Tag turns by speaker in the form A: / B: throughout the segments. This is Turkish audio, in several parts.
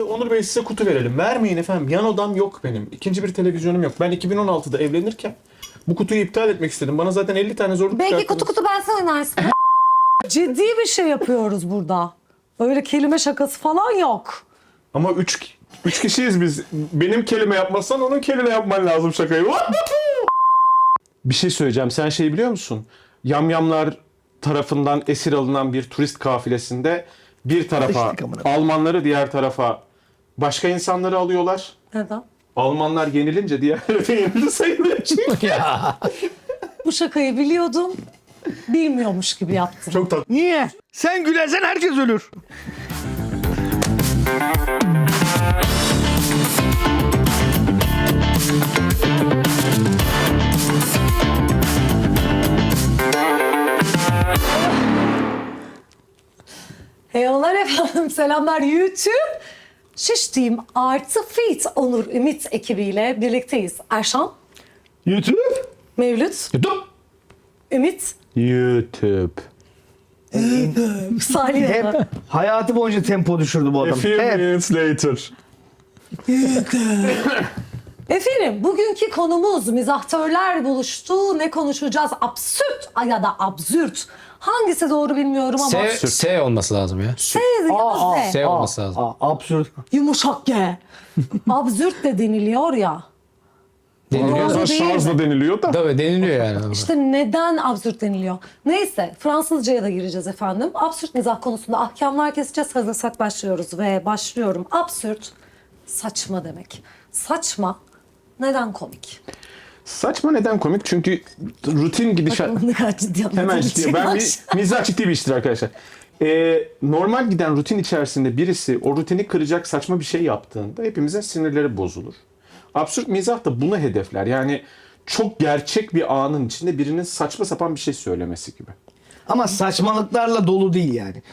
A: Onur Bey size kutu verelim. Vermeyin efendim. Yan odam yok benim. İkinci bir televizyonum yok. Ben 2016'da evlenirken bu kutuyu iptal etmek istedim. Bana zaten 50 tane zorluk
B: Belki
A: çıkarttınız.
B: kutu ben sen oynarsın. Ciddi bir şey yapıyoruz burada. Öyle kelime şakası falan yok.
A: Ama üç kişiyiz biz. Benim kelime yapmazsan onun kelime yapman lazım şakayı. Bir şey söyleyeceğim. Sen şey biliyor musun? Yamyamlar tarafından esir alınan bir turist kafilesinde bir tarafa Almanları, diğer tarafa başka insanları alıyorlar.
B: Neden?
A: Almanlar yenilince diğerleri de yenildi sayılır.
B: Bu şakayı biliyordum. Bilmiyormuş gibi yaptım.
A: Çok tatlı.
C: Niye? Sen gülersen herkes ölür.
B: Eyvallah efendim. Selamlar YouTube. Şiş Team artı Fit Onur Ümit ekibiyle birlikteyiz. Erşan,
C: YouTube.
B: Mevlüt,
A: YouTube.
B: Ümit,
A: YouTube.
B: Salih.
C: Hep hayatı boyunca tempo düşürdü bu
A: A
C: adam.
A: few
C: Hep.
A: minutes later.
B: Efendim bugünkü konumuz mizahtörler buluştu. Ne konuşacağız? Absürt ya da absürt. Hangisi doğru bilmiyorum ama.
D: S olması lazım ya.
B: S.
D: S olması lazım.
C: Absürt.
B: Yumuşak G. Absürt de deniliyor ya.
D: Deniliyor.
B: Doğru
A: Biraz
B: değil
A: şarjla
B: mi?
A: deniliyor da.
D: Tabii deniliyor yani.
B: İşte neden absürt deniliyor? Neyse Fransızcaya da gireceğiz efendim. Absürt mizah konusunda ahkamlar keseceğiz. Hazırsak başlıyoruz ve başlıyorum. Absürt saçma demek. Saçma neden komik?
A: Saçma neden komik? Çünkü rutin gidişat...
B: Ne kadar ciddi
A: Hemen
B: anlatıcı
A: ciddi. Ben
B: baş.
A: mizah ciddi bir iştir arkadaşlar. Normal giden rutin içerisinde birisi o rutini kıracak saçma bir şey yaptığında hepimizin sinirleri bozulur. Absürt mizah da bunu hedefler. Yani çok gerçek bir anın içinde birinin saçma sapan bir şey söylemesi gibi.
C: Ama saçmalıklarla dolu değil yani.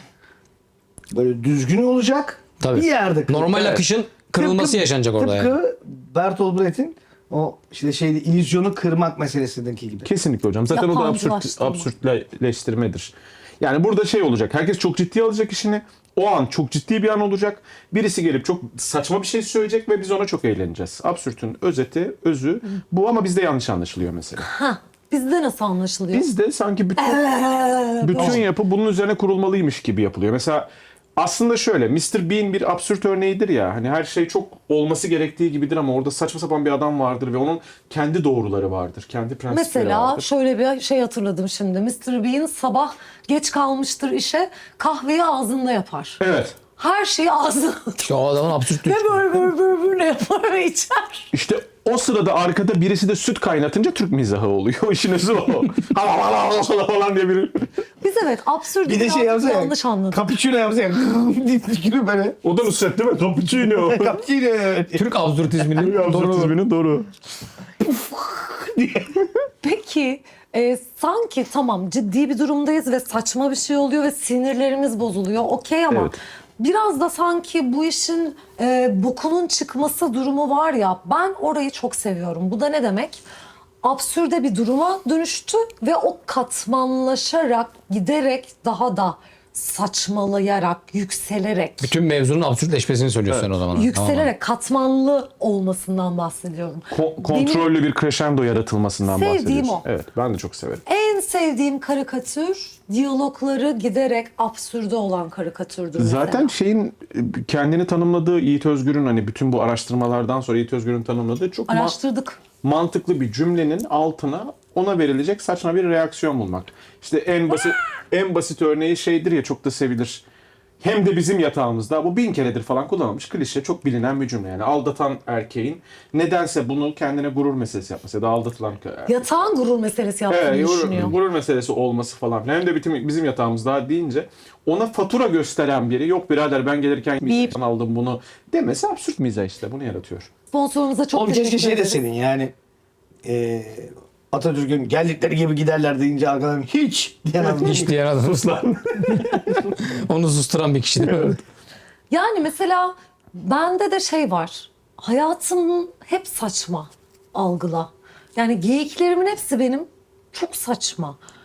C: Böyle düzgün olacak.
D: Tabii.
C: Bir yerde.
D: Normal
C: Evet.
D: akışın kırılması yaşanacak orada yani.
C: Tıpkı Bertolt Brecht'in o işte şeyde illüzyonu kırmak meselesindeki gibi.
A: Kesinlikle hocam. Zaten o da
B: Yabancılaştırma.
A: absürtleştirmedir. Yani burada şey olacak. Herkes çok ciddiye alacak işini. O an çok ciddi bir an olacak. Birisi gelip çok saçma bir şey söyleyecek ve biz ona çok eğleneceğiz. Absürtün özeti, özü bu ama bizde yanlış anlaşılıyor mesela.
B: Hah, bizde nasıl anlaşılıyor?
A: Bizde sanki bütün yapı bunun üzerine kurulmalıymış gibi yapılıyor. Mesela aslında şöyle, Mr. Bean bir absürt örneğidir ya. Hani her şey çok olması gerektiği gibidir ama orada saçma sapan bir adam vardır ve onun kendi doğruları vardır. Kendi prensipleri
B: Mesela
A: vardır.
B: şöyle bir şey hatırladım şimdi. Mr. Bean sabah geç kalmıştır işe, kahveyi ağzında yapar.
A: Evet.
B: Her şeyi ağzına
D: İşte o adamın absürtlüğü.
B: ve böyle yapar ve içer.
A: İşte o sırada arkada birisi de süt kaynatınca Türk mizahı oluyor. İşin özü o. falan diye biri.
B: Biz evet absürt
C: Bir de şey yapsa ya.
B: yanlış anladık.
C: Cappuccino yapsa ya. diye tükürüyor böyle.
A: O da Nusret değil mi? Cappuccino.
C: Cappuccino evet.
D: Türk absürtizminin doğru.
A: Absürtizminin doğru.
B: Peki sanki tamam ciddi bir durumdayız ve saçma bir şey oluyor ve sinirlerimiz bozuluyor. Okey ama
A: Evet.
B: biraz da sanki bu işin bokunun çıkması durumu var ya, ben orayı çok seviyorum. Bu da ne demek? Absürde bir duruma dönüştü ve o katmanlaşarak giderek daha da saçmalayarak, yükselerek.
D: Bütün mevzunun absürtleşmesini söylüyorsun sen o zaman.
B: Yükselerek katmanlı olmasından bahsediyorum.
A: Kontrollü bir crescendo yaratılmasından
B: Sevdiğim
A: bahsediyorsun.
B: o.
A: Evet, ben de çok severim.
B: En sevdiğim karikatür diyalogları giderek absürde olan karikatürdür
A: Zaten
B: mesela.
A: şeyin kendini tanımladığı Yiğit Özgür'ün hani bütün bu araştırmalardan sonra Yiğit Özgür'ün tanımladığı çok
B: Araştırdık.
A: mantıklı bir cümlenin altına ona verilecek saçma bir reaksiyon bulmak. İşte en basit örneği şeydir ya, çok da sevilir. Hem de bizim yatağımızda, bu 1000 keredir falan kullanılmış klişe, çok bilinen bir cümle. Yani aldatan erkeğin nedense bunu kendine gurur meselesi yapması ya da aldatılan
B: Yatağın gurur meselesi yaptığını düşünüyor.
A: gurur meselesi olması falan. Hem de bizim yatağımızda deyince ona fatura gösteren biri, yok birader ben gelirken
B: Bip.
A: aldım bunu demesi absürt mizah, işte bunu yaratıyor.
B: Sponsorumuza çok
C: Oğlum keşke
B: teşekkür
C: şey
B: ederiz.
C: deseydin yani. Atatürk'ün geldikleri gibi giderler deyince arkadan hiç diyen adam.
D: Hiç diyen adamlar. Onu susturan bir kişi değil mi?
B: Yani mesela bende de şey var. Hayatım hep saçma algıla. Yani geyiklerimin hepsi benim çok saçma.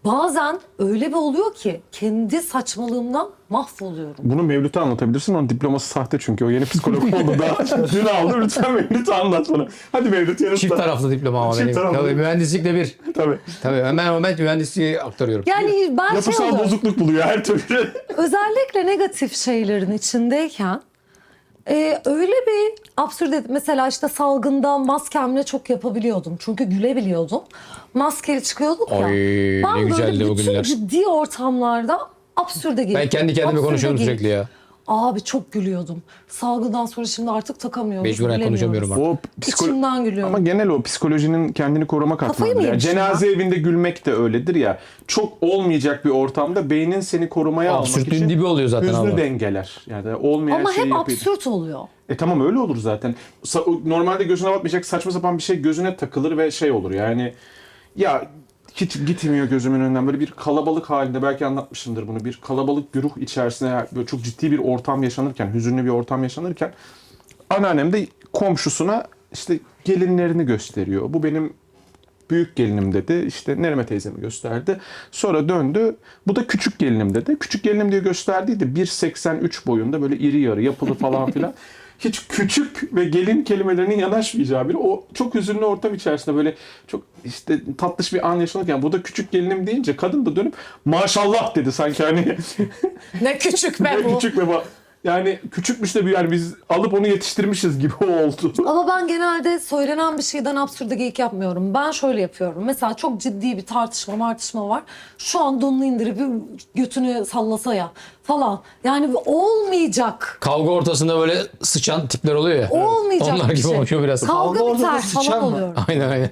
B: bazen öyle bir oluyor ki kendi saçmalığımdan mahvoluyorum.
A: Bunu Mevlüt'e anlatabilirsin. Onun diploması sahte çünkü. O yeni psikolog oldu daha. Dün aldı. Lütfen Mevlüt'e anlat bana. Hadi Mevlüt yanıtla.
D: Çift taraflı diploma ama
A: Çift
D: benim.
A: taraflı.
D: Tabii mühendislikle bir.
A: Tabii.
D: Tabii ben mühendisliği aktarıyorum.
B: Yani ben
A: Yapısal
B: oluyorum.
A: bozukluk buluyor her türlü.
B: Özellikle negatif şeylerin içindeyken öyle bir absürt, mesela işte salgında maskemle çok yapabiliyordum. Çünkü gülebiliyordum. Maskeli çıkıyorduk ya.
D: Ay, ne
B: Ben
D: güzeldi
B: böyle
D: o
B: bütün
D: günler.
B: ciddi ortamlarda absürde girdim.
D: Ben kendi kendime
B: Absürde
D: konuşuyorum
B: girdim.
D: sürekli ya.
B: Abi çok gülüyordum. Salgından sonra şimdi artık takamıyoruz.
D: Mecburen
B: gülemiyoruz.
D: konuşamıyorum artık.
A: O
B: İçimden gülüyorum.
A: Ama genel o psikolojinin kendini koruma
B: Kafayı
A: katmanı.
B: mı
A: Yani
B: yemişim
A: cenaze evinde gülmek de öyledir ya. Çok olmayacak bir ortamda beynin seni korumaya almak
D: Absürtlüğün
A: için
D: dibi oluyor zaten
A: hüznü
D: abi.
A: dengeler. Yani olmayan
B: Ama
A: şeyi
B: hep
A: yapıyor.
B: absürt oluyor.
A: Tamam öyle olur zaten. Normalde gözüne batmayacak saçma sapan bir şey gözüne takılır ve şey olur yani. Ya hiç gitmiyor gözümün önünden. Böyle bir kalabalık halinde, belki anlatmışımdır bunu. Bir kalabalık güruh içerisinde böyle çok ciddi bir ortam yaşanırken, hüzünlü bir ortam yaşanırken anneannem de komşusuna işte gelinlerini gösteriyor. Bu benim büyük gelinim dedi. İşte Nerime teyzemi gösterdi. Sonra döndü. Bu da küçük gelinim dedi. Küçük gelinim diye gösterdiydi. 1.83 boyunda, böyle iri yarı yapılı falan filan. Hiç küçük ve gelin kelimelerinin yanaşmayacağı biri. O çok hüzünlü ortam içerisinde böyle çok işte tatlış bir an yaşanırken bu da küçük gelinim deyince kadın da dönüp maşallah dedi sanki hani
B: Ne küçük be
A: ne
B: bu.
A: küçük ve yani küçükmüş de bir, yani biz alıp onu yetiştirmişiz gibi oldu.
B: Ama ben genelde söylenen bir şeyden absürde geyik yapmıyorum. Ben şöyle yapıyorum. Mesela çok ciddi bir tartışma var. Şu an donunu indirip götünü sallasa ya falan. Yani olmayacak.
D: Kavga ortasında böyle sıçan tipler oluyor ya.
B: Olmayacak
D: Onlar
B: bir
D: gibi
B: şey.
D: oluşuyor biraz.
B: Kavga
C: Kavga
B: biter
C: ortada
B: falan
C: sıçan mı?
B: oluyorum.
D: Aynen.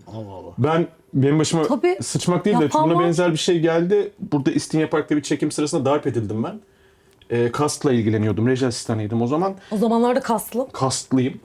A: Benim başıma
B: Tabii.
A: sıçmak değil de
B: Yapan
A: buna
B: var.
A: benzer bir şey geldi. Burada İstinye Park'ta bir çekim sırasında darp edildim ben. Kastla ilgileniyordum. Reji asistanıydım o zaman.
B: O zamanlarda kaslı.
A: Kastlıyım.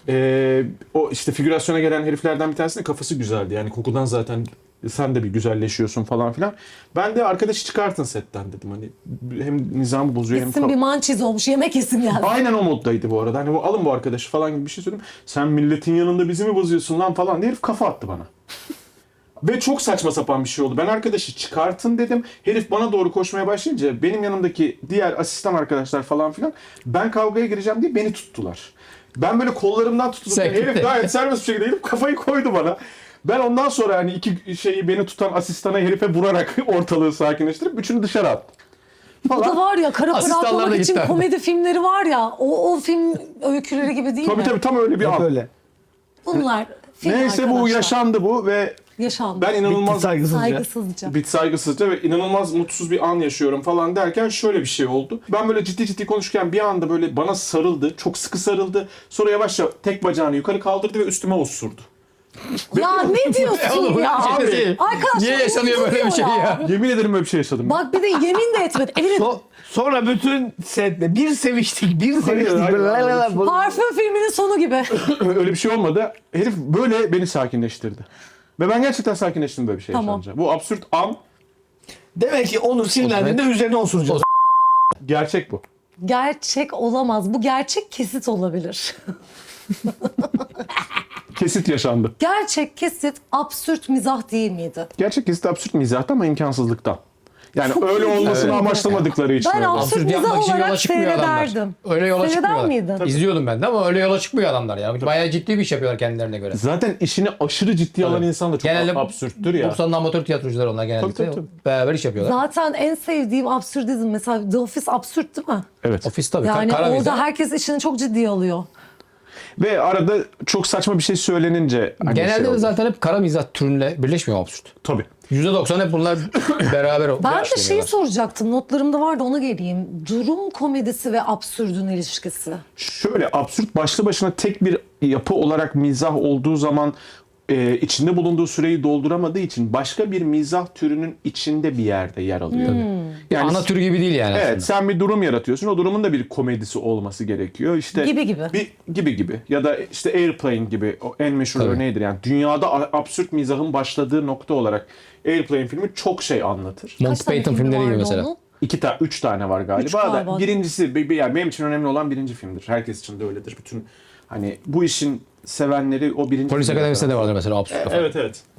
A: O işte figürasyona gelen heriflerden bir tanesinin kafası güzeldi. Yani kokudan zaten sen de bir güzelleşiyorsun falan filan. Ben de arkadaşı çıkartın setten dedim. Hani hem nizamı bozuyor hem
B: Gitsin bir mançiz olmuş yemek yesin geldi.
A: Aynen o moddaydı bu arada. Hani alın bu arkadaşı falan gibi bir şey söyledim. Sen milletin yanında bizi mi bozuyorsun lan falan diye herif kafa attı bana. Ve çok saçma sapan bir şey oldu. Ben arkadaşı çıkartın dedim. Herif bana doğru koşmaya başlayınca benim yanımdaki diğer asistan arkadaşlar falan filan ben kavgaya gireceğim diye beni tuttular. Ben böyle kollarımdan tutulup
D: Sen
A: herif
D: gitti.
A: gayet serbest bir şekilde herif kafayı koydu bana. Ben ondan sonra hani iki şeyi beni tutan asistana herife vurarak ortalığı sakinleştirip üçünü dışarı attım.
B: Bu da var ya kara para
D: Asistanlar da
B: atmamak için
D: gitti.
B: komedi filmleri var ya. O film öyküleri gibi değil mi?
A: Tabii tam öyle bir
C: Hep
A: an.
C: öyle.
B: Bunlar film
A: Neyse bu
B: arkadaşlar.
A: yaşandı bu ve
B: Yaşandı.
A: ben inanılmaz
C: Bitti saygısızca.
B: Saygısızca.
A: saygısızca ve inanılmaz mutsuz bir an yaşıyorum falan derken şöyle bir şey oldu. Ben böyle ciddi konuşurken bir anda böyle bana sarıldı. Çok sıkı sarıldı. Sonra yavaşça tek bacağını yukarı kaldırdı ve üstüme osurdu.
B: Ya ne diyorsun
D: Oğlum,
B: ya?
D: bir şey değil.
B: Arkadaşlar,
D: Niye yaşanıyor böyle bir şey ya?
A: Yemin ederim böyle bir şey yaşadım.
B: Bak bir de yemin de etmedi. Evine
C: Sonra bütün setle bir seviştik.
A: hayır,
C: Böyle la la la.
A: hayır.
B: parfüm filminin sonu gibi.
A: Öyle bir şey olmadı. Herif böyle beni sakinleştirdi. Ve ben gerçekten sakinleştim böyle bir şey
B: Tamam.
A: yaşanınca. Bu absürt an
C: Demek ki onu sinirlendiğinde üzerine osuracağız.
A: gerçek bu.
B: Gerçek olamaz. Bu gerçek kesit olabilir.
A: Kesit yaşandı.
B: Gerçek kesit absürt mizah değil miydi?
A: Gerçek kesit absürt mizahta ama imkansızlıktan. Yani
B: Çok
A: öyle
B: iyi.
A: olmasını
B: Evet.
A: amaçlamadıkları için.
B: Ben
A: öyle.
B: absürt
D: Absürt yapmak
B: mizah
D: için yola
B: olarak
D: çıkmıyor adamlar.
B: seyrederdim.
D: Öyle yola
B: Seyreder
D: çıkmıyorlar.
B: miydin?
D: İzliyordum ben de ama öyle yola çıkmıyor adamlar ya. Bayağı ciddi bir iş yapıyorlar kendilerine göre.
A: Zaten işini aşırı ciddiye alan
D: Tabii.
A: insan da çok
D: Genelde
A: absürttür ya.
D: 90'lı amatör tiyatrocular onlar genellikle.
A: Tabii.
D: Beraber iş yapıyorlar.
B: Zaten en sevdiğim absürdizm mesela The Office absürt değil mi?
A: Evet.
D: Ofis tabii.
B: Yani
D: Kara
B: orada
D: mizah.
B: herkes işini çok ciddiye alıyor.
A: Ve arada çok saçma bir şey söylenince hani
D: Genelde
A: şey
D: de
A: oluyor.
D: zaten hep kara mizah türünle birleşmiyor absürt.
A: Tabii.
D: %90 hep bunlar beraber
B: Ben de şeyi
D: işleniyorlar.
B: soracaktım. Notlarımda vardı ona geleyim. Durum komedisi ve absürdün ilişkisi.
A: Şöyle absürt başlı başına tek bir yapı olarak mizah olduğu zaman içinde bulunduğu süreyi dolduramadığı için başka bir mizah türünün içinde bir yerde yer alıyor. Yani
D: Ana tür gibi değil yani
A: evet,
D: aslında.
A: sen bir durum yaratıyorsun. O durumun da bir komedisi olması gerekiyor. İşte
B: Gibi.
A: Ya da işte Airplane gibi o en meşhur
D: Tabii.
A: örneğidir. Yani dünyada absürt mizahın başladığı nokta olarak Airplane filmi çok şey anlatır.
D: Monty
B: tane
D: Python
B: filmi
D: filmleri gibi
B: vardı
D: mesela.
B: onun?
A: 3 tane var
B: Üç
A: galiba
B: galiba.
A: da birincisi yani benim için önemli olan birinci filmdir. Herkes için de öyledir. Bütün hani bu işin sevenleri o birinci
D: Polis
A: filmi
D: Akademisi'nde de
A: yapar.
D: vardır mesela absürt kafa.
A: Evet.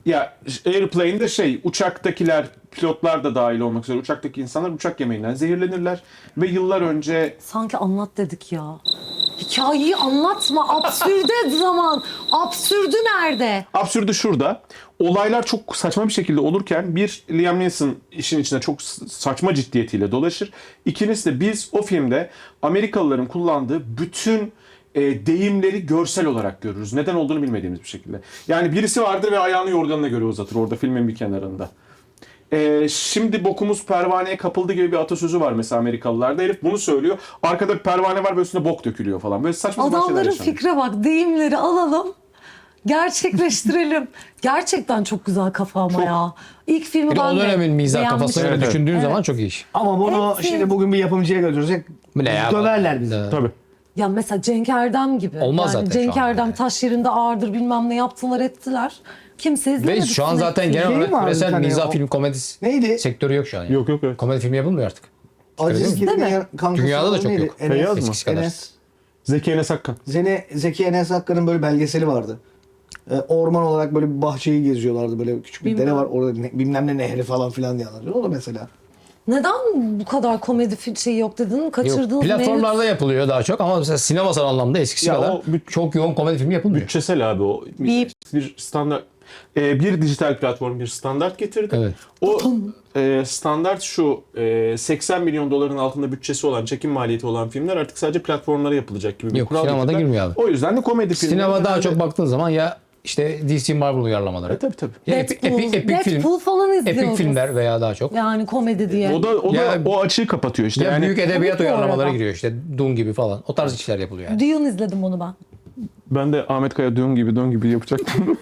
A: Ya Airplane'de uçaktakiler, pilotlar da dahil olmak üzere uçaktaki insanlar uçak yemeğinden zehirlenirler ve yıllar önce
B: Sanki anlat dedik ya. Hikayeyi anlatma. Absürde zaman. Absürdü nerede?
A: absürdü şurada. Olaylar çok saçma bir şekilde olurken bir Liam Neeson işin içine çok saçma ciddiyetiyle dolaşır. İkincisi de biz o filmde Amerikalıların kullandığı bütün deyimleri görsel olarak görürüz. Neden olduğunu bilmediğimiz bir şekilde. Yani birisi vardır ve ayağını yorganına göre uzatır orada filmin bir kenarında. Şimdi bokumuz pervaneye kapıldı gibi bir atasözü var mesela Amerikalılarda. Herif bunu söylüyor. Arkada bir pervane var ve üstüne bok dökülüyor falan. Böyle saçma sapan şeyler
B: Adamların
A: yaşanıyor.
B: fikre bak. Deyimleri alalım. Gerçekleştirelim. Gerçekten çok güzel kafa ama ya. İlk filmi
D: Bir de
B: ben
D: o
B: de
D: dönemin mizah
B: beğenmiştim.
D: kafasına göre
A: Evet.
D: düşündüğün zaman çok iyi iş.
C: Ama bunu
B: Hepsi-
C: şimdi bugün bir yapımcıya götürecek.
D: Bu ne ya?
C: Döverler bizi.
A: Tabii.
B: Ya mesela Cenk Erdem gibi.
D: Olmaz
B: yani
D: zaten
B: Cenk
D: şu an
B: Erdem
D: yani.
B: taş yerinde ağırdır bilmem ne yaptılar ettiler. Kimse izlemedi.
D: Ve şu an zaten genel
C: Değil
D: olarak
C: mi abi bir
D: küresel
C: tane
D: mizah
C: o-
D: film komedisi
C: Neydi?
D: sektörü yok şu an. Yani.
A: Yok evet.
D: Komedi filmi yapılmıyor artık.
C: Aziz
B: Değil mi?
C: Gil'in kankası
D: Dünyada da
C: olan
D: çok
C: neydi?
D: yok.
A: Feyyaz mı?
D: Eskisi kadar.
C: Enes.
A: Zeki Enes Akkan.
C: Zeki Enes Akkan'ın böyle belgeseli vardı. Orman olarak böyle bir bahçeyi geziyorlardı. Böyle küçük bir dere
B: Bilmiyorum.
C: var. Orada bilmem ne nehri falan filan diye anlatıyor. O da mesela.
B: Neden bu kadar komedi şeyi yok dedin?
D: Yok,
B: Kaçırdığınız
D: platformlarda yapılıyor daha çok ama mesela sinemasal anlamda eskisi
A: Ya
D: kadar
A: o
D: çok yoğun komedi filmi yapılmıyor.
A: Bütçesel abi o.
B: Bip.
A: Bir standart bir dijital platform bir standart getirdi.
D: Evet.
A: O standart şu 80 milyon doların altında bütçesi olan, çekim maliyeti olan filmler artık sadece platformlara yapılacak gibi bir
D: Yok,
A: kural
D: sinemada
A: getirdiler.
D: girmiyor abi.
A: O yüzden de komedi filmleri.
D: Sinema daha
A: genelde-
D: çok baktığın zaman ya işte DC Marvel uyarlamaları.
A: Tabii.
D: Ya
B: Deadpool,
D: epik film.
B: Deadpool falan izliyoruz.
D: Epik filmler veya daha çok.
B: Yani komedi diye.
A: O da
D: Ya-
A: o açığı kapatıyor işte.
D: Ya
A: Yani
D: büyük edebiyat
B: Komik bu
D: uyarlamaları
B: arada.
D: giriyor işte Dune gibi falan. O tarz işler yapılıyor yani.
B: Dune izledim onu ben.
A: ben de Ahmet Kaya dön gibi yapacaktım.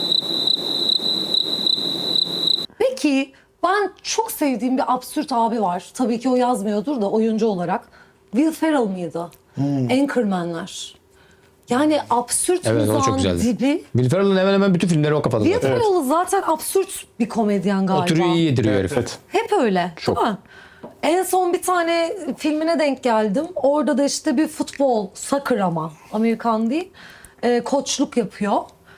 B: Peki ben çok sevdiğim bir absürt abi var. Tabii ki o yazmıyordur da oyuncu olarak. Will Ferrell mıydı? Anchorman'ler. Yani absürt
D: Evet, o çok
B: mizahın
D: güzeldi.
B: dibi.
D: Will Ferrell'ın hemen hemen bütün filmleri o kafada
B: Will
D: zaten.
B: Ferrell zaten absürt bir komedyen galiba.
D: O türü iyi yediriyor herif.
A: evet.
B: Hep öyle.
A: Çok.
B: Değil mi? En son bir tane filmine denk geldim. Orada da işte bir futbol, soccer ama Amerikan değil. Koçluk yapıyor.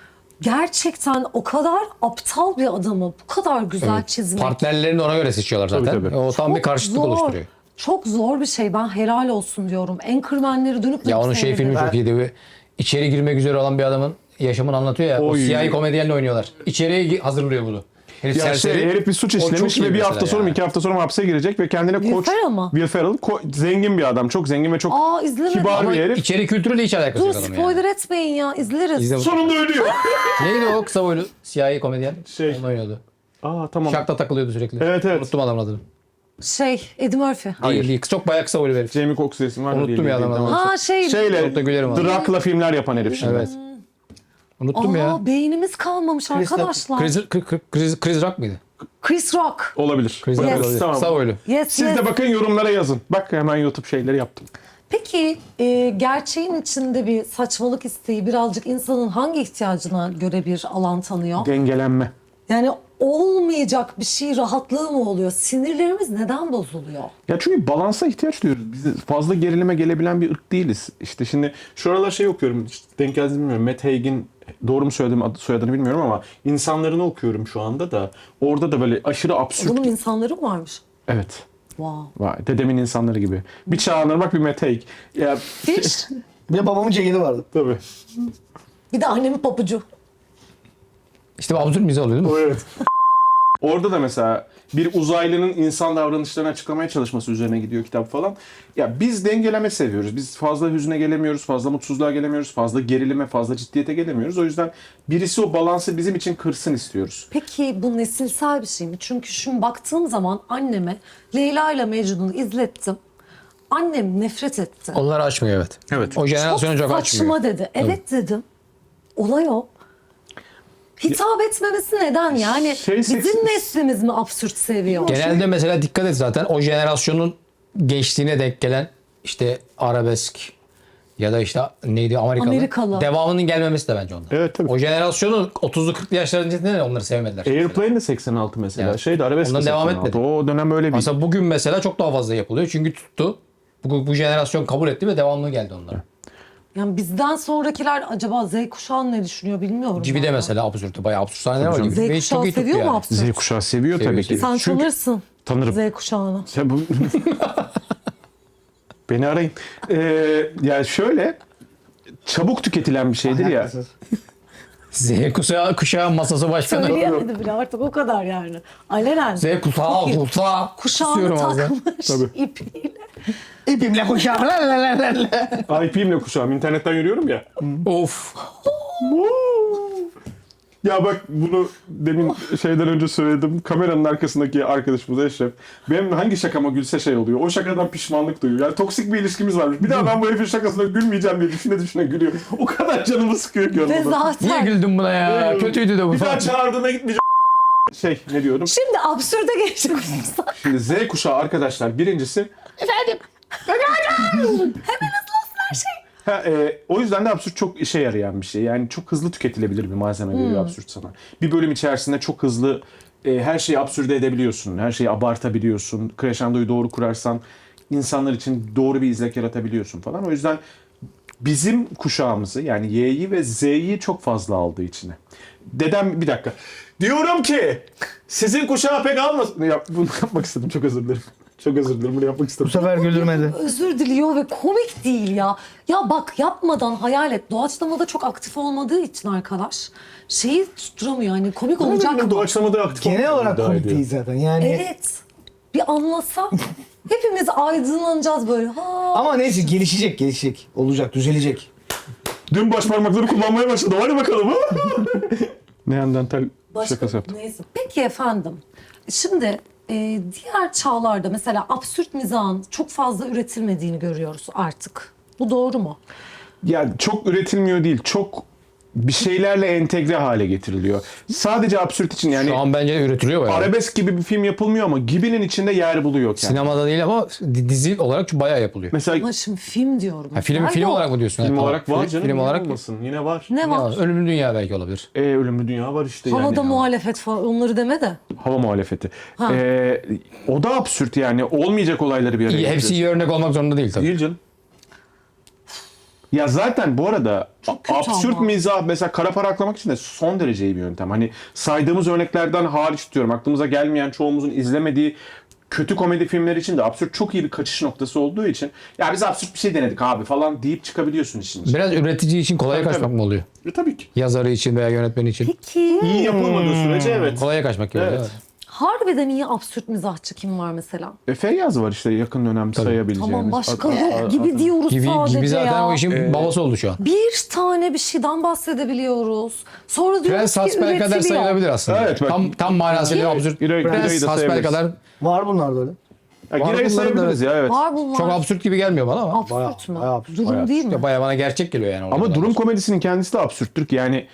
B: Gerçekten o kadar aptal bir adamı bu kadar güzel çizmek.
D: Partnerlerini ona göre seçiyorlar zaten.
A: Tabii.
D: O tam bir karşıtlık
B: zor.
D: oluşturuyor.
B: Çok zor bir şey. Ben helal olsun diyorum. Anchorman'leri dönüp
D: Ya
B: dönüp
D: onun filmi
B: seyrederim.
D: çok iyiydi. Bir İçeri girmek üzere olan bir adamın yaşamını anlatıyor ya. O
A: Oy.
D: siyahi komedyenle oynuyorlar. İçeriye hazırlıyor bunu. Herif
A: Ya
D: serseri.
A: herif bir suç
D: O çok
A: işlemiş
D: iyi
A: ve bir
D: mesela
A: hafta sonra mı
D: yani.
A: 2 hafta sonra mı hapse girecek ve kendine
B: Will
A: koç...
B: Ferrell mı?
A: Will Ferrell zengin bir adam. Çok zengin ve çok
B: Aa, izlemedim.
A: kibar
D: Ama
A: bir herif.
D: içeri kültürüyle hiç alakası
B: Dur
D: yok adamın
B: spoiler
D: yani.
B: etmeyin ya. İzleriz.
D: İzle bu-
A: Sonunda ölüyor.
D: Neydi o kısa boylu siyahi komedyen?
A: Şey.
D: Onu oynuyordu.
A: Aa tamam.
D: Şakta takılıyordu sürekli.
A: Evet, evet.
D: Unuttum adamın adını.
B: Eddie Murphy.
D: Değil, değil. Çok bayağı kısa boylu bir herif.
A: Jamie Foxx isim var.
D: Unuttum ya adamı.
A: Tamam.
B: Ha
A: Şeyle
D: Çok da gülerim ona.
A: Drak'la filmler yapan herif şimdi.
D: Evet. Unuttum ya.
B: Beynimiz kalmamış arkadaşlar.
D: Chris Rock mıydı?
B: Chris Rock.
A: Olabilir.
D: Chris Rock
B: Yes.
D: olabilir.
A: Tamam.
D: Kısa boylu.
B: Yes,
A: Siz
B: yes.
A: de bakın yorumlara yazın. Bak hemen YouTube şeyleri yaptım.
B: Peki gerçeğin içinde bir saçmalık isteği birazcık insanın hangi ihtiyacına göre bir alan tanıyor?
A: Dengelenme.
B: Yani olmayacak bir şey rahatlığı mı oluyor? Sinirlerimiz neden bozuluyor?
A: Ya çünkü balansa ihtiyaç duyuyoruz. Biz fazla gerilime gelebilen bir ırk değiliz. İşte şimdi şu aralar okuyorum. İşte denk geldi bilmiyorum. Matt Haig'in doğru mu söyledim soyadını bilmiyorum ama insanlarını okuyorum şu anda da. Orada da böyle aşırı absürt.
B: Bunun insanları mı varmış?
A: Evet.
B: Wow.
A: Vay, dedemin insanları gibi. Bir Çağanır bak bir Matt Haig. Ya
B: Hiç.
C: Bir de babamın ceketi vardı.
A: tabii.
B: Bir de annemin papucu.
D: İşte bu absürt mizah oluyor değil mi?
A: Evet. Orada da mesela bir uzaylının insan davranışlarını açıklamaya çalışması üzerine gidiyor kitap falan. Ya biz dengeleme seviyoruz. Biz fazla hüzne gelemiyoruz, fazla mutsuzluğa gelemiyoruz, fazla gerilime, fazla ciddiyete gelemiyoruz. O yüzden birisi o balansı bizim için kırsın istiyoruz.
B: Peki bu nesilsel bir şey mi? Çünkü şimdi baktığım zaman anneme Leyla ile Mecnun'u izlettim. Annem nefret etti.
D: Onları açmıyor evet.
A: Evet.
D: O jenerasyonu çok açmıyor.
B: saçma dedi. Evet dedim. Olay o. Hitap etmemesi neden yani? Bizim neslimiz mi absürt seviyor?
D: Genelde mesela dikkat et zaten o jenerasyonun gençliğine denk gelen işte arabesk ya da işte neydi
B: Amerikalı.
D: devamının gelmemesi de bence ondan.
A: Evet, tabii.
D: O jenerasyonun 30'lu 40'lı yaşlarında de onları sevmediler.
A: Airplane de 86 mesela.
D: Evet.
A: Şeydi arabesk de
D: Ondan devam
A: 86.
D: etmedi.
A: O dönem öyle bir...
D: Mesela bugün mesela çok daha fazla yapılıyor çünkü tuttu. Bu jenerasyon kabul etti ve devamlı geldi onlara.
B: Yani bizden sonrakiler acaba Z kuşağı ne düşünüyor bilmiyorum.
D: Gibi de
B: valla.
D: mesela absürt. Bayağı absürt sahneler var.
A: canım.
D: Gibi.
B: Z
D: Ve
B: kuşağı
D: çok iyi tuttu
B: seviyor mu
D: yani.
B: absürt?
A: Z kuşağı seviyor tabii ki.
B: Sen
A: Çünkü
B: tanırsın
A: tanırım.
B: Z kuşağını.
A: Sen bu... Beni arayın. Yani şöyle çabuk tüketilen bir şeydir ya.
C: Haklısınız.
D: Z kuşağı masası başkanı.
B: Söyleyemedi bile artık o kadar yani. Alenen.
D: Z kuşağı
B: Kuşağını
D: Kusuyorum ağzına.
B: takmış
A: Tabii.
B: ipiyle.
C: İpimle kuşağım.
A: IP'imle kuşağım. İnternetten yürüyorum ya.
D: Of.
A: Ya bak bunu demin şeyden önce söyledim. Kameranın arkasındaki arkadaşımız Eşref. Benim hangi şakama gülse şey oluyor. O şakadan pişmanlık duyuyor. Yani toksik bir ilişkimiz varmış. Bir daha ben bu herifin şakasına gülmeyeceğim diye düşüne gülüyor. O kadar canımı sıkıyor ki
B: Ve
A: ondan.
D: Niye
B: zaten.
D: güldün buna ya? Kötüydü de bu
A: Bir daha
D: falan.
A: çağırdığına gitmeyeceğim. Şey ne diyorum?
B: Şimdi absürde geçecek olursak.
A: Şimdi Z kuşağı arkadaşlar birincisi. O yüzden de absürt çok işe yarayan bir şey. Yani çok hızlı tüketilebilir bir malzeme veriyor absürt sana. Bir bölüm içerisinde çok hızlı her şeyi absürde edebiliyorsun. Her şeyi abartabiliyorsun. Crescendo'yu doğru kurarsan insanlar için doğru bir izlek yaratabiliyorsun falan. O yüzden bizim kuşağımızı yani Y'yi ve Z'yi çok fazla aldığı içine. Dedem bir dakika. Diyorum ki sizin kuşağı pek almasın. Ya, bunu yapmak istedim. Çok özür dilerim. Çok özür dilerim. Bunu yapmak istedim.
C: Bu sefer güldürmedi.
B: Özür diliyor ve komik değil ya. Ya bak yapmadan hayal et. Doğaçlamada çok aktif olmadığı için arkadaş şeyi tutturamıyor. Yani komik olacak mı?
A: Doğaçlamada aktif
C: Genel
A: olmadan
C: olarak
A: iddia
C: komik
A: ediyor.
C: değil zaten. Yani
B: Evet. Bir anlasa hepimiz aydınlanacağız böyle. Ha.
C: ama neyse gelişecek. Olacak, düzelecek.
A: Dün baş parmakları kullanmaya başladı. Hadi bakalım. Neandertal şakası yaptım.
B: Neyse. Peki efendim. Şimdi diğer çağlarda mesela absürt mizahın çok fazla üretilmediğini görüyoruz artık. Bu doğru mu?
A: Ya çok üretilmiyor değil. Çok bir şeylerle entegre hale getiriliyor. Sadece absürt için yani
D: Şu an bence de üretiliyor bayağı.
A: arabesk gibi bir film yapılmıyor ama Gibi'nin içinde yer buluyor kendini.
D: Sinemada değil ama dizi olarak bayağı yapılıyor.
A: Mesela
B: Ama şimdi film diyorum.
D: Ha, film
B: Nerede
D: film
B: o?
D: olarak mı diyorsun?
A: film
D: Ha,
A: olarak
D: tamam.
A: var canım.
D: Film
A: niye
D: olarak
A: olmasın? Yine var.
B: Ne
D: ya,
B: var?
D: Ölümlü Dünya belki olabilir.
A: Ölümlü Dünya var işte
B: Havada
A: yani.
B: muhalefet falan onları deme de.
A: Hava muhalefeti.
B: Ha.
A: O da absürt yani. Olmayacak olayları bir araya
D: İyi, hepsi
A: getiriyor.
D: iyi örnek olmak zorunda değil tabii.
A: Değil canım. Ya zaten bu arada
B: Çok kötü
A: absürt
B: ama.
A: mizah mesela kara para aklamak için de son derece iyi bir yöntem. Hani saydığımız örneklerden hariç tutuyorum. Aklımıza gelmeyen çoğumuzun izlemediği kötü komedi filmleri için de absürt çok iyi bir kaçış noktası olduğu için ya biz absürt bir şey denedik abi falan deyip çıkabiliyorsun işin içine.
D: Biraz üretici için kolaya
A: Tabii,
D: kaçmak
A: tabii.
D: mı oluyor?
A: Tabii ki.
D: Yazarı için veya yönetmeni için.
B: Peki
A: İyi yapılmadığı sürece evet.
D: Kolaya kaçmak gibi
A: Evet.
D: oluyor.
B: harbiden iyi absürt mizahçı kim var mesela?
A: Feyyaz var işte yakın dönem sayabileceğimiz.
B: Tamam başka yok gibi diyoruz
D: Gibi,
B: sadece
D: gibi zaten
B: ya.
D: o işin babası oldu şu an.
B: Bir tane bir şeyden bahsedebiliyoruz. Sonra diyoruz
D: Prens
B: ki
D: Hasbel kadar
B: üretiliyor.
D: sayılabilir aslında.
A: Evet, bak.
D: Tam manasıyla absürt.
A: Giray'ı da
D: Prens Hasbel
A: sayabiliriz.
D: kadar
C: Var bunlar böyle.
A: Ya,
D: Var
A: Giray'ı
D: bunların da
A: sayabiliriz ya evet.
B: Var bunlar.
D: çok absürt gibi gelmiyor bana ama.
B: Absürt mü?
C: bayağı absürt,
B: Durum
C: bayağı
B: değil mi?
D: Bayağı bana gerçek geliyor yani.
A: Ama
D: oradan.
A: durum komedisinin kendisi de absürttür ki yani.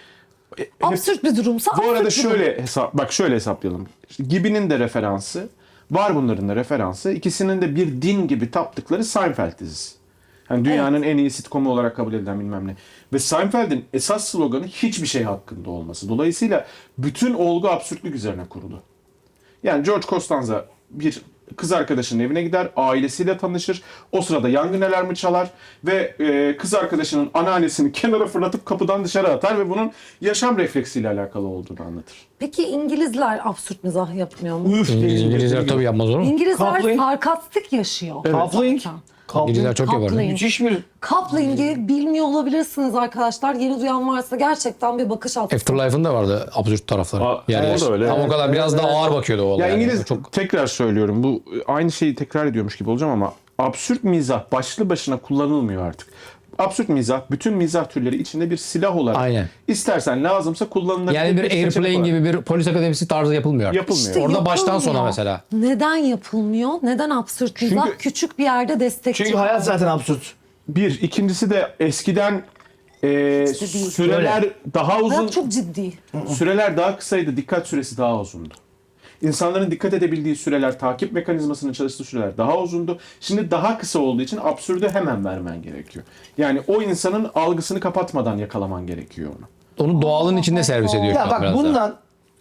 B: Absürt bir durumsa
A: Bu arada
B: absürt bir durum.
A: şöyle hesaplayalım. İşte Gibi'nin de referansı, var bunların da referansı. İkisinin de bir din gibi taptıkları Seinfeld dizisi. Yani dünyanın en iyi sitcomu olarak kabul edilen bilmem ne. Ve Seinfeld'in esas sloganı hiçbir şey hakkında olması. Dolayısıyla bütün olgu absürtlük üzerine kurulu. Yani George Costanza bir kız arkadaşının evine gider, ailesiyle tanışır. O sırada yangın alarmı çalar ve kız arkadaşının anneannesini kenara fırlatıp kapıdan dışarı atar ve bunun yaşam refleksiyle alakalı olduğunu anlatır.
B: Peki İngilizler absürt mizah yapmıyor mu?
D: İngilizler tabii yapmaz olur mu?
B: İngilizler
C: Coupling.
B: sarkastik yaşıyor.
C: Coupling.
D: İngilizler çok yapar.
B: Coupling.
C: Müthiş bir
B: Coupling'i bilmiyor olabilirsiniz arkadaşlar. Yeni duyan varsa gerçekten bir bakış atsın.
D: Afterlife'ın da vardı absürt tarafları.
A: Aa,
D: Yani
A: o da öyle.
D: Ama o kadar biraz daha ağır bakıyordu o
A: Ya
D: olay.
A: İngiliz
D: Çok
A: tekrar söylüyorum bu aynı şeyi tekrar ediyormuş gibi olacağım ama absürt mizah başlı başına kullanılmıyor artık. Absürt mizah bütün mizah türleri içinde bir silah olarak
D: Aynen.
A: istersen lazımsa kullanılabilir.
D: yani bir
A: seçenek
D: Airplane
A: olarak.
D: gibi bir polis akademisi tarzı yapılmıyor. artık.
A: Yapılmıyor.
B: İşte
D: Orada baştan
B: yapılmıyor.
D: sona mesela.
B: Neden yapılmıyor? Neden absürt mizah küçük bir yerde destekçi?
C: çünkü hayat zaten absürt.
A: Bir. İkincisi de eskiden
B: değil.
A: süreler daha uzun,
B: Hayat çok ciddi.
A: süreler daha kısaydı, dikkat süresi daha uzundu. İnsanların dikkat edebildiği süreler, takip mekanizmasının çalıştığı süreler daha uzundu. Şimdi daha kısa olduğu için absürdü hemen vermen gerekiyor. Yani o insanın algısını kapatmadan yakalaman gerekiyor onu.
D: Onu doğalın içinde servis ediyor. şu
C: Ya
D: an
C: bak
D: biraz daha.
C: bundan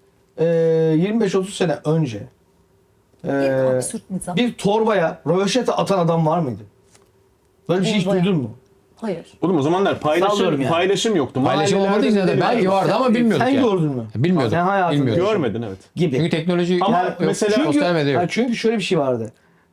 C: 25-30 sene önce
B: İlk absürt mizah.
C: bir torbaya röveşata atan adam var mıydı? Böyle bir şey hiç
B: Torbaya.
C: duydun mu?
B: Hayır.
A: Oğlum o zamanlar
C: Sallıyorum
A: paylaşım,
C: yani.
A: paylaşım yoktu.
D: Paylaşım olmadığı için
A: Mahallelerde
D: zaten belki vardı ama bilmiyorduk
C: Sen
D: yani.
C: gördün mü?
D: Bilmiyordum.
C: Sen hayatında
D: Bilmiyordum.
A: Görmedin evet.
C: gibi.
D: Çünkü teknoloji
A: Ama
D: yok.
A: mesela-
D: Sosyal medya yok.
C: Çünkü şöyle bir şey vardı.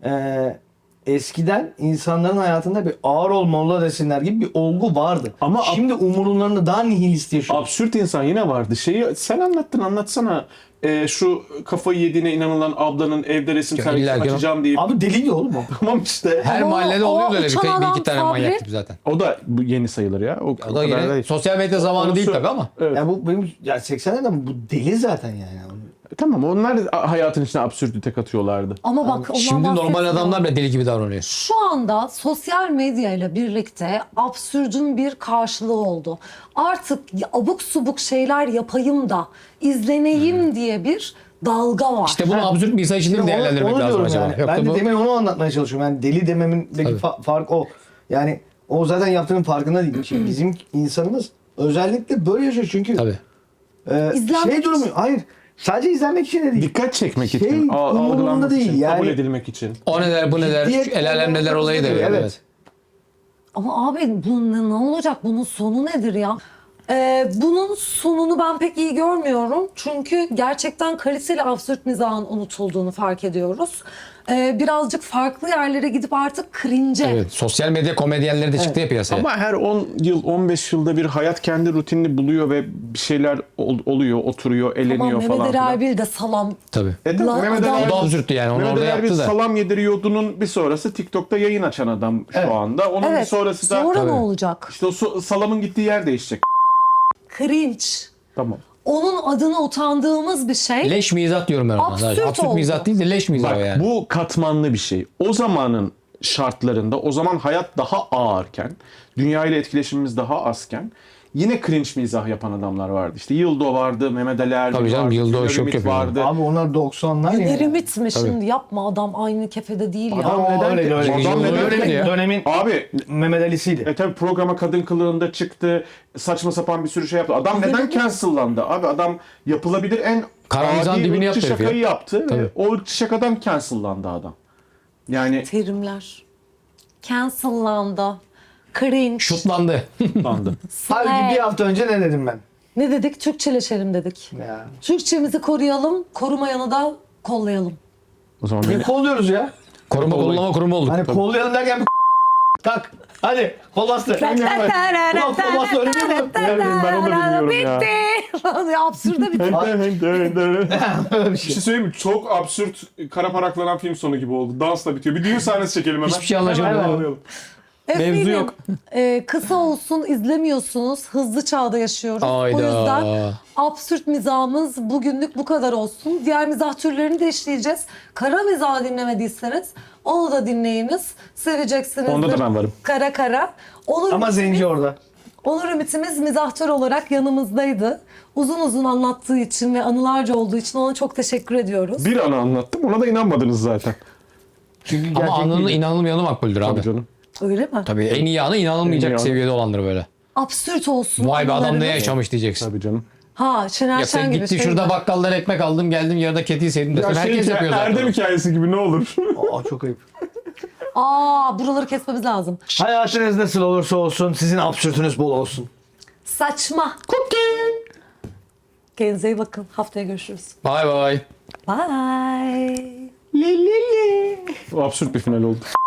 C: Eskiden insanların hayatında bir ağır olmalı desinler gibi bir olgu vardı.
A: Ama
C: şimdi umurlarında daha nihilist yaşıyor.
A: Absürt insan yine vardı. Şeyi sen anlatsana. Şu kafayı yediğine inanılan ablanın evde resim
D: Ya
A: sergisi
D: illa ki o-
A: açacağım deyip.
C: Abi deliydi oğlum o.
A: Tamam işte.
D: Her
B: Ama
D: mahallede
B: o
D: oluyordu öyle bir,
B: uçan
D: bir
B: adam
D: iki tane
B: Sabri-
D: manyak gibi zaten.
A: O da bu yeni sayılır ya. O
D: O da
A: kadar
D: yine
A: değil.
D: sosyal medya zamanı
A: Onu
D: değil
A: sö-
D: tabii ama.
A: Evet.
C: Ya bu benim ya 80'lerden bu deli zaten yani.
A: Tamam onlar hayatın içine absürtite katıyorlardı.
B: Ama bak ondan
D: Şimdi normal
B: bahsetmiyorum.
D: adamlar bile deli gibi davranıyor.
B: Şu anda sosyal medya ile birlikte absürdün bir karşılığı oldu. Artık abuk subuk şeyler yapayım da izleneyim diye bir dalga var.
D: İşte bunu absürt bir insan için de mi
C: Onu-
D: değerlendirmek
C: onu
D: lazım
C: diyorum
D: acaba?
C: yani.
D: Yok
C: Ben
D: da
C: de
D: bu
C: demin onu anlatmaya çalışıyorum. Yani deli dememin fark o. Yani o zaten yaptığının farkında değil. Şimdi bizim insanımız özellikle böyle yaşıyor çünkü
D: tabii.
B: İzlenmek
C: şey durumu hayır. Sadece izlenmek için de değil.
A: Dikkat çekmek
C: Şey,
A: için,
C: umurumda
A: algılanmak
C: değil
A: için, kabul
C: yani.
A: edilmek için.
D: O ne der, bu ne der,
C: Ciddiyet-
D: şu el alem neler olayı da
C: Evet.
D: evet.
B: Ama abi bu ne olacak? Bunun sonu nedir ya? Bunun sonunu ben pek iyi görmüyorum. Çünkü gerçekten kaliteli absürt mizahın unutulduğunu fark ediyoruz. Birazcık farklı yerlere gidip artık cringe'e.
D: Evet, sosyal medya komedyenleri de çıktı ya piyasaya.
A: Ama her 10 yıl, 15 yılda bir hayat kendi rutinini buluyor ve bir şeyler oluyor, oturuyor, eleniyor
B: Tamam
A: falan
B: Mehmet Ali
A: filan.
B: Erbil de salam.
D: Tabii.
A: Tabii,
B: Lan
A: Mehmet
B: adam-
A: Ali
D: O da
A: Erbil-
D: absürttü yani, onu
A: Mehmet
D: orada
A: Ali Erbil
D: yaptı da.
A: salam yediriyordunun bir sonrası TikTok'ta yayın açan adam şu anda. Onun bir
B: Evet.
A: sonrası da
B: Sonra ne
D: Tabii.
B: olacak?
A: işte o salamın gittiği yer değişecek.
B: Cringe.
A: Tamam.
B: Onun adına utandığımız bir şey.
D: Leş mizah diyorum ben ona.
B: Absürt
D: Absürt
B: oldu.
D: mizah değil de leş mizah
A: Bak
D: o yani.
A: bu katmanlı bir şey. O zamanın şartlarında, o zaman hayat daha ağırken, dünya ile etkileşimimiz daha azken yine cringe mizah yapan adamlar vardı. İşte Yıldo vardı, Mehmet Ali Erbil
D: Tabii canım,
A: vardı,
D: Yıldo
A: Güler
D: çok
A: Ümit
D: yapıyor.
A: vardı.
C: Abi onlar 90'lar ya.
B: Ümit mi şimdi yapma adam aynı kefede değil ya.
A: Adam neden?
C: öyle, öyle.
A: Adam neden?
D: Öyle ya.
C: Dönemin
A: Abi
C: Mehmet Ali'siydi.
A: tabii programa kadın kılığında çıktı. Saçma sapan bir sürü şey yaptı. Adam neden cancellandı? Abi adam yapılabilir en
D: Karamizan
A: adi
D: dibini
A: ırkçı
D: yaptı herif ya.
A: şakayı yaptı. Ve
D: Tabii.
A: o ırkçı şakadan cancellandı adam. Yani
B: Terimler. Cancellandı. Cringe.
D: Şutlandı.
A: landı.
C: Halbuki bir hafta önce ne dedim ben?
B: Ne dedik? Türkçeleşelim dedik.
C: Ya.
B: Türkçemizi koruyalım, korumayanı da kollayalım.
A: O zaman
C: Ne kolluyoruz ya?
D: Koruma kollama kurumu olduk.
C: Hani kollayalım derken bir tak. Hadi kol bastı. Ulan kol bastı öyle değil mi?
A: ben onu da bilmiyorum ya.
B: Bitti. Absürde bitti.
C: Öyle bir
A: Bir
C: şey.
A: şey söyleyeyim mi? Çok absürt, kara paraklanan film sonu gibi oldu. Dansla bitiyor. Bir düğün sahnesi çekelim hemen.
D: Hiçbir şey anlaşılmadı.
A: Hemen alalım.
B: Efendim,
D: yok.
B: Kısa olsun izlemiyorsunuz. Hızlı çağda yaşıyoruz.
D: Ayda.
B: O yüzden absürt mizahımız bugünlük bu kadar olsun. Diğer mizah türlerini de işleyeceğiz. Kara mizah dinlemediyseniz onu da dinleyiniz. Seveceksiniz.
A: Onda da ben varım.
B: Kara kara.
C: Ama Zenci orada.
B: Onur Ümit'imiz mizahtör olarak yanımızdaydı. Uzun uzun anlattığı için ve anılarca olduğu için ona çok teşekkür ediyoruz.
A: Bir anı anlattım. Ona da inanmadınız zaten.
C: Çünkü
D: Ama
C: gerçek
D: anının
C: değil.
D: inanılmayanı makbuldür abi.
A: Tabii canım.
B: Öyle mi?
D: Tabii en iyi anı inanılmayacak
A: En iyi anı.
D: seviyede olandır böyle.
B: Absürt olsun.
D: Vay be adam ne
B: anılarınız.
D: yaşamış diyeceksin.
A: Tabii canım.
B: Ha Şener
D: Ya
B: Şen
D: sen
B: gibi
D: gittin
B: şey
D: şurada
B: mi?
D: bakkaldan ekmek aldım geldim yarıda kediyi sevdim desin. Herkes yapıyor zaten.
A: Erdem hikayesi gibi ne olur.
C: Aa çok ayıp.
B: Buraları kesmemiz lazım.
C: Hayatınız nasıl olursa olsun sizin absürtünüz bol olsun.
B: Saçma. Kendinize iyi bakın. Haftaya görüşürüz.
D: Bye bye.
B: Bye.
A: O absürt bir final oldu.